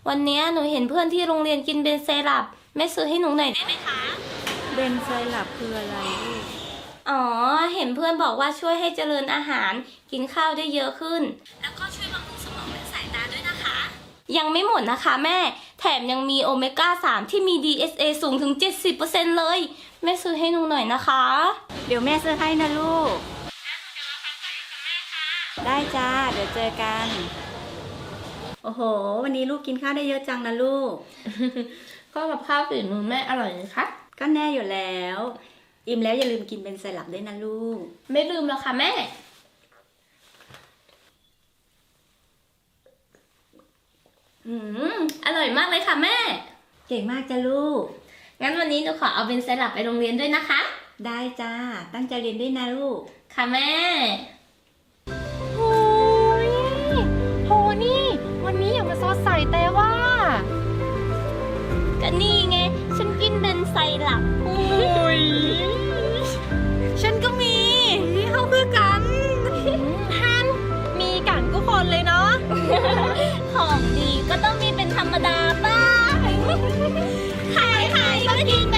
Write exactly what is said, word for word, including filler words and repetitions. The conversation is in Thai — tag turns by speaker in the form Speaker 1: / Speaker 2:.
Speaker 1: วันนี้หนูเห็นเพื่อนที่โรงเรียนกินเบนไซรัปแม่ซื้อให้หนูหน่อยได้ไหมคะ
Speaker 2: เบนไซรัปคืออะไรลูก
Speaker 1: อ๋อเห็นเพื่อนบอกว่าช่วยให้เจริญอาหารกินข้าวได้เยอะขึ้นแล้วก็ช่วยบำรุงสมองและสายตาด้วยนะคะยังไม่หมดนะคะแม่แถมยังมีโอเมก้าสามที่มี ดี เอส เอ สูงถึง เจ็ดสิบเปอร์เซ็นต์ เลยแม่ซื้อให้หนูหน่อยนะคะ
Speaker 2: เดี๋ยวแม่ซื้อให้นะลูกได้จ้าเดี๋ยวเจอกันโอ้โหวันนี้ลูกกินข้าวได้เยอะจังนะลูก
Speaker 1: ก็กับข้าวฝีมือแม่อร่อยเลยค่ะ
Speaker 2: ก็แน่อยู่แล้วอิ่มแล้วอย่าลืมกินเบนไซรัปด้วยนะลูก
Speaker 1: ไม่ลืมแล้วค่ะแม่อืมอร่อยมากเลยค่ะแม่
Speaker 2: เก่งมากจ้ะลูก
Speaker 1: งั้นวันนี้หนูขอเอาเบนไซรัปไปโรงเรียนด้วยนะคะ
Speaker 2: ได้จ้าตั้งใจเรียนด้วยนะลูก
Speaker 1: ค่ะแม่
Speaker 3: โอ้ยโหนี่วันนี้อย่ามาซอสใส่แต่ว่า
Speaker 1: ก็นี่ไงฉันกินเบนไซรัป
Speaker 3: โอ้ยฉันก็มีเข้าเพื่อกันฮันมีกันทุกคนเลยเนาะ
Speaker 1: ของดีก็ต้องมีเป็นธรรมดาบ้างใครๆก็กิน